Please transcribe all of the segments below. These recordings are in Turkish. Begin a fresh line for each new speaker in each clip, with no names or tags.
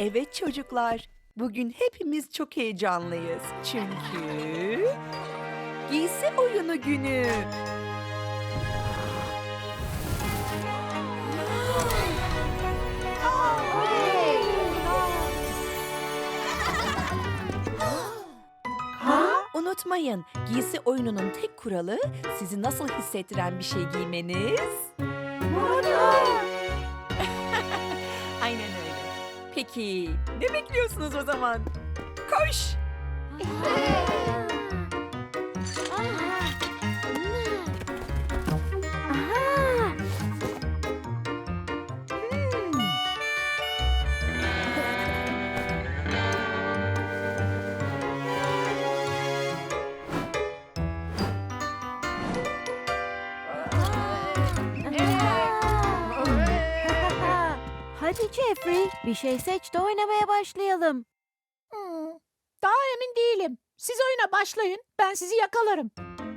Evet çocuklar, bugün hepimiz çok heyecanlıyız. Çünkü giysi oyunu günü. Unutmayın, giysi oyununun tek kuralı sizi nasıl hissettiren bir şey giymeniz. Aynen öyle. Peki, ne bekliyorsunuz o zaman? Koş!
Hadi Jeffrey, bir şey seç de oynamaya başlayalım.
Daha emin değilim. Siz oyuna başlayın. Ben sizi yakalarım.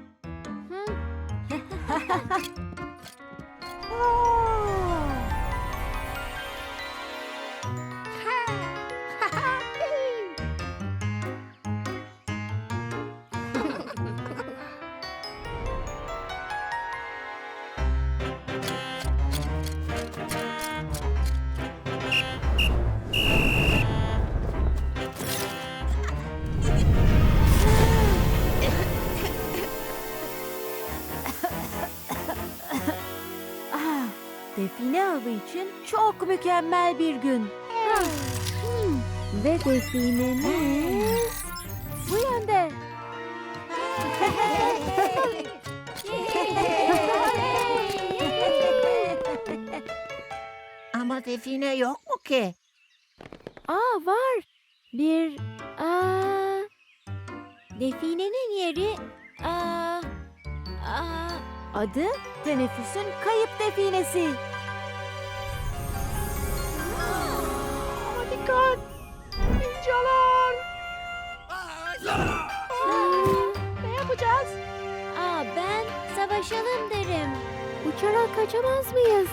Define avı için çok mükemmel bir gün. Ve definemiz bu yönde.
Ama define yok mu ki?
Var. Definenin yeri adı teneffüsün kayıp definesi.
Dikkat! Ninjalar! Ne yapacağız?
Ben savaşalım derim. Uçarak kaçamaz mıyız?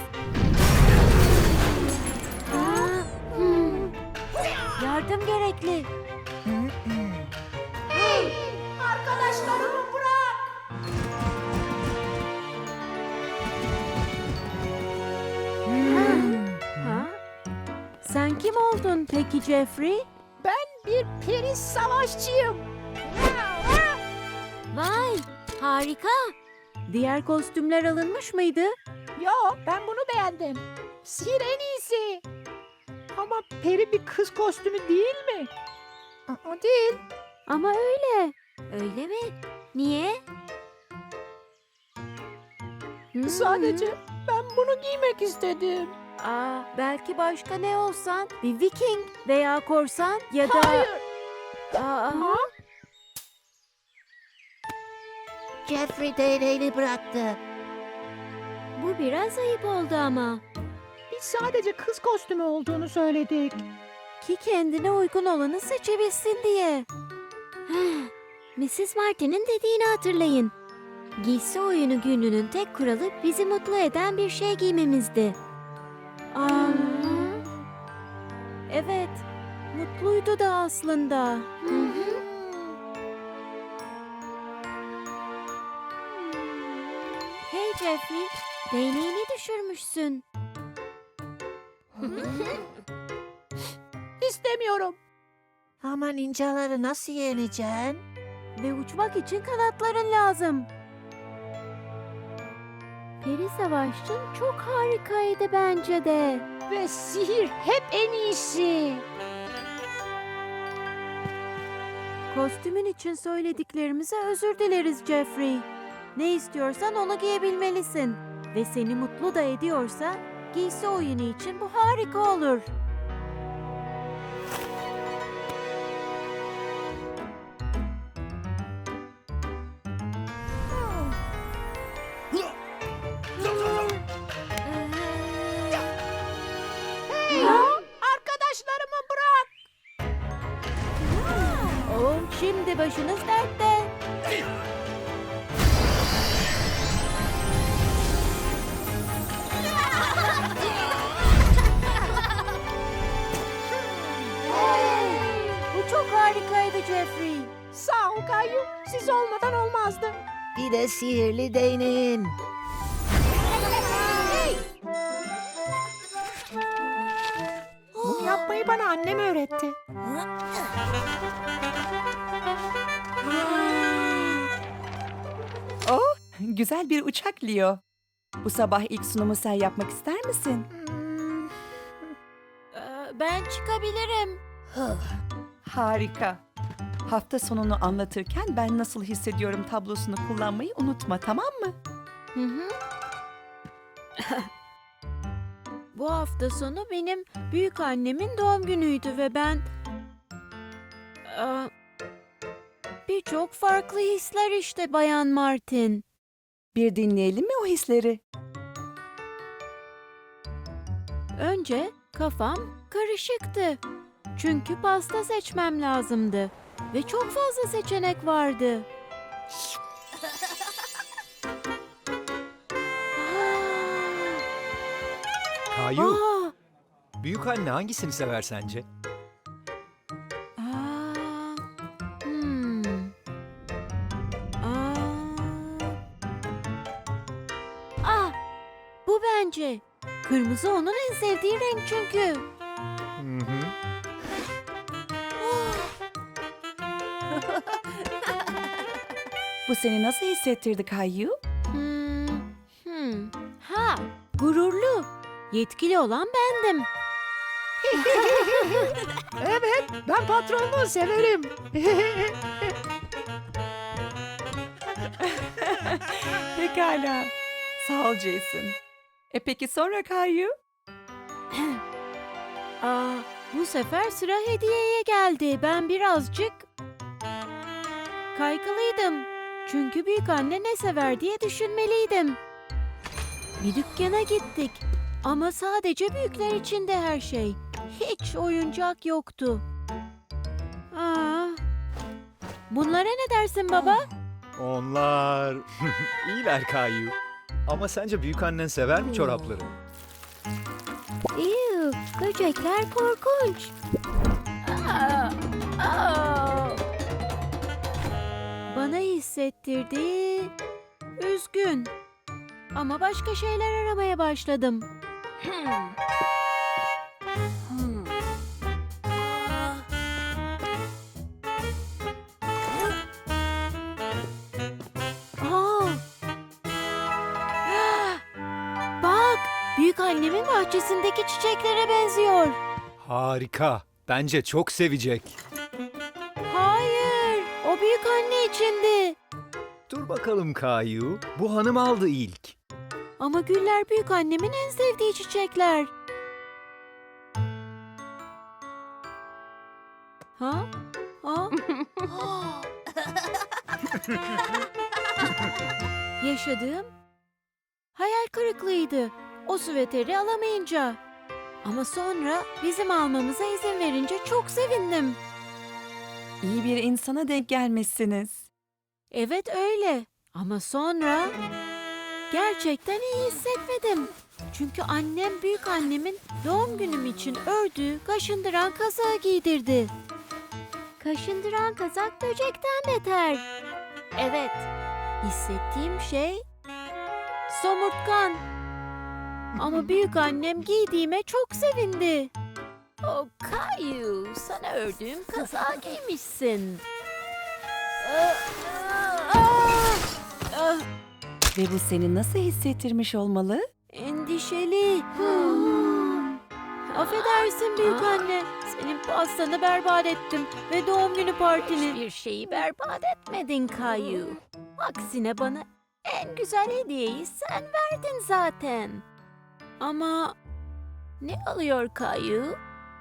Yardım gerekli.
Arkadaşlarımı bırak!
Sen kim oldun peki Jeffrey?
Ben bir peri savaşçıyım.
Vay, harika. Diğer kostümler alınmış mıydı?
Yo, ben bunu beğendim. Sihir en iyisi. Ama peri bir kız kostümü değil mi? O değil.
Ama öyle. Öyle mi? Niye?
Sadece ben bunu giymek istedim.
Belki başka ne olsan? Bir Viking veya korsan ya da...
Hayır.
Aa,
Jeffrey değneğini bıraktı.
bu biraz ayıp oldu ama.
Biz sadece kız kostümü olduğunu söyledik.
Ki kendine uygun olanı seçebilsin diye. Mrs. Martin'in dediğini hatırlayın. Giysi oyunu gününün tek kuralı bizi mutlu eden bir şey giymemizdi. Evet, mutluydu da aslında. Hey Jeffrey, değneğini düşürmüşsün.
İstemiyorum. Ama ninjaları nasıl yeneceksin?
Ve uçmak için kanatların lazım. Peri savaşçın çok harikaydı bence de.
Ve sihir hep en iyisi.
Kostümün için söylediklerimize özür dileriz Jeffrey. Ne istiyorsan onu giyebilmelisin. Ve seni mutlu da ediyorsa giysi oyunu için bu harika olur.
Arkadaşlarımı bırak.
Şimdi başınız dertte. Jeffrey.
Sağ ol Kayu. Siz olmadan olmazdı.
Bir de sihirli değneğin.
Bunu yapmayı bana annem öğretti.
Oh, güzel bir uçak Leo. Bu sabah ilk sunumu sen yapmak ister misin?
Ben çıkabilirim.
Harika. Hafta sonunu anlatırken ben nasıl hissediyorum tablosunu kullanmayı unutma, tamam mı?
Hı hı. Bu hafta sonu benim büyük annemin doğum günüydü ve ben birçok farklı hisler işte Bayan Martin.
Bir dinleyelim mi o hisleri?
Önce kafam karışıktı. Çünkü pasta seçmem lazımdı ve çok fazla seçenek vardı.
Kayu,
Aa,
büyük anne hangisini sever sence?
aa, hmm. Aa. Ah, bu bence. Kırmızı onun en sevdiği renk çünkü.
Hı hı.
Bu seni nasıl hissettirdi Kayu?
Ha, gururlu. Yetkili olan bendim.
Evet, ben patronluğu severim.
Pekala. Sağ ol Jason. Peki sonra Kayu?
Bu sefer sıra hediyeye geldi. Ben birazcık kaygılıydım. Çünkü büyük anne ne sever diye düşünmeliydim. Bir dükkana gittik. Ama sadece büyükler için de her şey. Hiç oyuncak yoktu. Bunlara ne dersin baba?
Onlar iyiler Kayu. Ama sence büyük annen sever mi çorapları?
İyi, böcekler korkunç. Bana hissettirdi. Üzgün. Ama başka şeyler aramaya başladım. Aa! Bak, büyük annemin bahçesindeki çiçeklere benziyor.
Harika. Bence çok sevecek.
Hayır, o büyük anne içindi.
Dur bakalım Kayu. Bu hanım aldı ilk.
Ama güller büyük annemin en sevdiği çiçekler. Ha? Ha? Yaşadığım hayal kırıklığıydı. O süveteri alamayınca. Ama sonra bizim almamıza izin verince çok sevindim.
İyi bir insana denk gelmişsiniz.
Evet öyle. Ama sonra gerçekten iyi hissetmedim. Çünkü annem büyük annemin doğum günüm için ördüğü kaşındıran kazağı giydirdi. Kaşındıran kazak böcekten beter. Evet, hissettiğim şey somurtkan. Ama büyük annem giydiğime çok sevindi. Oh Kayu, sana ördüğüm kazağı giymişsin.
Ve bu seni nasıl hissettirmiş olmalı?
Endişeli. Affedersin büyük anne. Senin pastanı berbat ettim ve doğum günü partini. Hiçbir şeyi berbat etmedin Kayu. Aksine bana en güzel hediyeyi sen verdin zaten. Ama ne alıyor Kayu?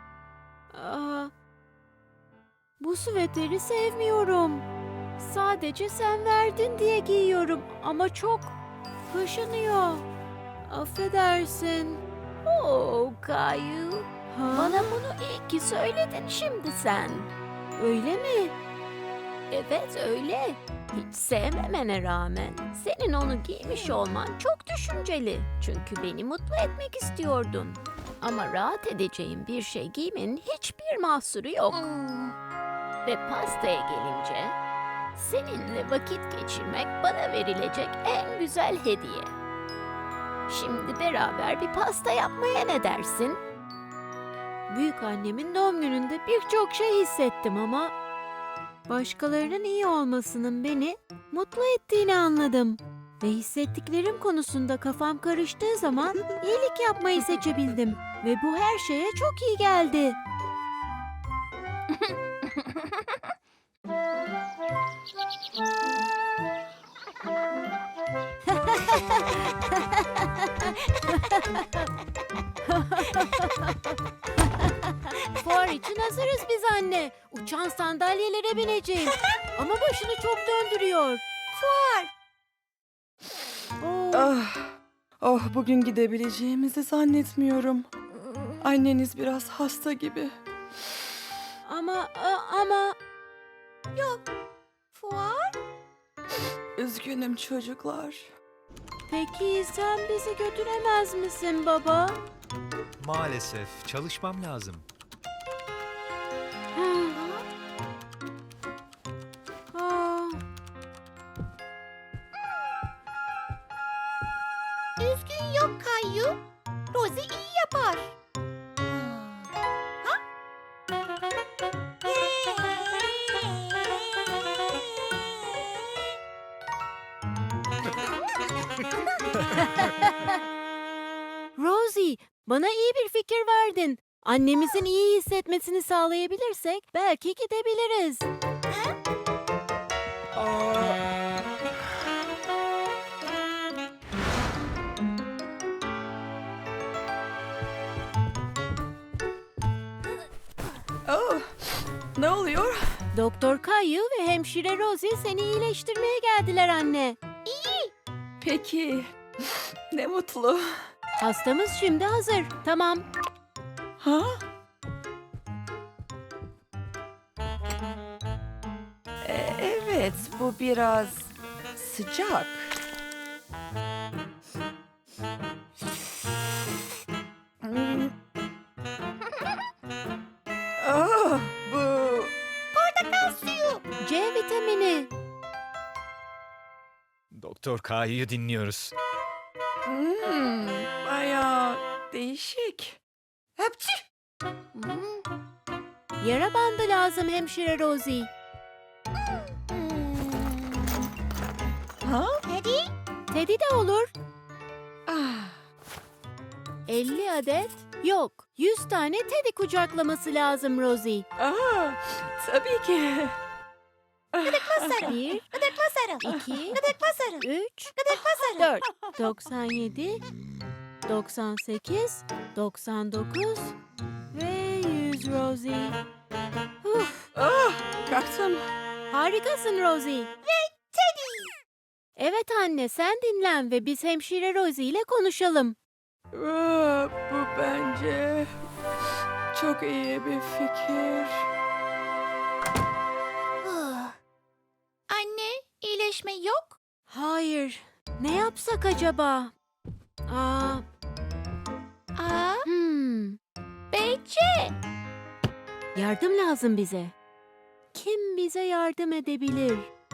Bu süveteri sevmiyorum. Sadece sen verdin diye giyiyorum ama çok kaşınıyor. Affedersin. Oh Kayu. Bana bunu iyi ki söyledin şimdi sen. Öyle mi? Evet öyle. Hiç sevmemene rağmen senin onu giymiş olman çok düşünceli. Çünkü beni mutlu etmek istiyordun. Ama rahat edeceğim bir şey giymenin hiçbir mahsuru yok.
Ve pastaya gelince, seninle vakit geçirmek bana verilecek en güzel hediye. Şimdi beraber bir pasta yapmaya ne dersin?
Büyük annemin doğum gününde birçok şey hissettim ama başkalarının iyi olmasının beni mutlu ettiğini anladım. Ve hissettiklerim konusunda kafam karıştığı zaman iyilik yapmayı seçebildim. Ve bu her şeye çok iyi geldi. Fuar için hazırız biz anne. Uçan sandalyelere bineceğim. Ama başını çok döndürüyor. Fuar.
Oh, bugün gidebileceğimizi zannetmiyorum. Anneniz biraz hasta gibi.
Ama...
Fuar? Üzgünüm çocuklar.
Peki sen bizi götüremez misin baba?
Maalesef çalışmam lazım.
Aa,
Üzgün yok Kayu. Rosie iyi yapar.
Rosie, bana iyi bir fikir verdin. Annemizin iyi hissetmesini sağlayabilirsek belki gidebiliriz.
Oh, ne oluyor?
Doktor Kayu ve hemşire Rosie seni iyileştirmeye geldiler anne.
Peki, ne mutlu.
Hastamız şimdi hazır. Tamam.
Ha? Evet, bu biraz sıcak. Hmm. Bu
C vitamini.
Doktor K'yı dinliyoruz.
bayağı değişik. Hapçı.
Yara bandı lazım hemşire Rosie.
Ha?
Teddy de olur.
Ah,
50 adet yok. 100 tane Teddy kucaklaması lazım Rosie.
tabii ki.
1, 2, 3, 4, 97, 98, 99 ve 100 Rosie.
Kalktım.
Harikasın Rosie. Ve Teddy. Evet anne sen dinlen ve biz hemşire Rosie ile konuşalım.
Bu bence çok iyi bir fikir.
Anne, iyileşme yok.
Hayır. Ne yapsak acaba? Aa,
Aa,
Beyce. Yardım lazım bize. Kim bize yardım edebilir?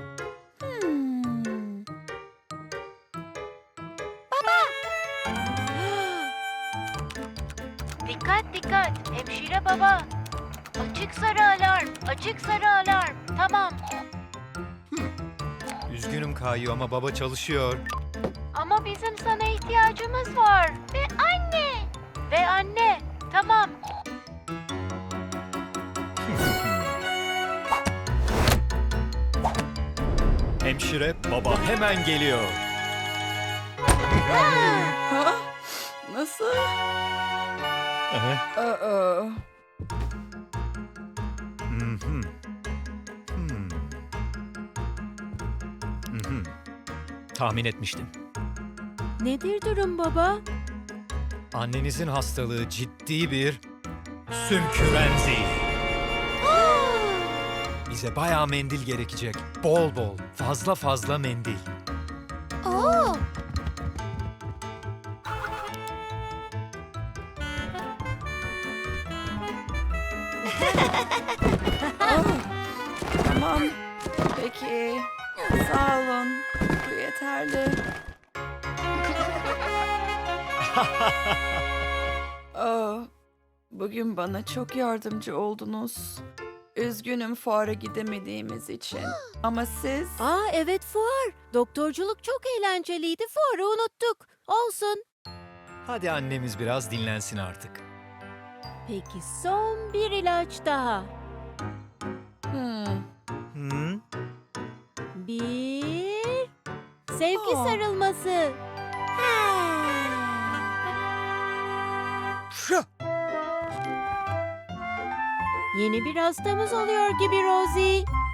Dikkat dikkat hemşire baba. Açık sarı alarm, açık sarı alarm. Tamam.
Üzgünüm K'yı ama baba çalışıyor.
Ama bizim sana ihtiyacımız var. Ve anne. Tamam.
Hemşire baba hemen geliyor.
Ha? Nasıl?
Aha.
Aa,
Mhm. Tahmin etmiştim.
Nedir durum baba?
Annenizin hastalığı ciddi bir sümkürenzi. Bize bayağı mendil gerekecek. Bol bol, fazla fazla mendil.
Oo.
Tamam. Peki. Sağ olun. Bu yeterli. Oh, bugün bana çok yardımcı oldunuz. Üzgünüm fuara gidemediğimiz için. Ama siz...
Evet fuar. Doktorculuk çok eğlenceliydi. Fuarı unuttuk. Olsun.
Hadi annemiz biraz dinlensin artık.
Peki son bir ilaç daha.
Hmm.
Hı?
Bir... Sevgi
Aa.
sarılması. Yeni bir hastamız oluyor gibi Rosie.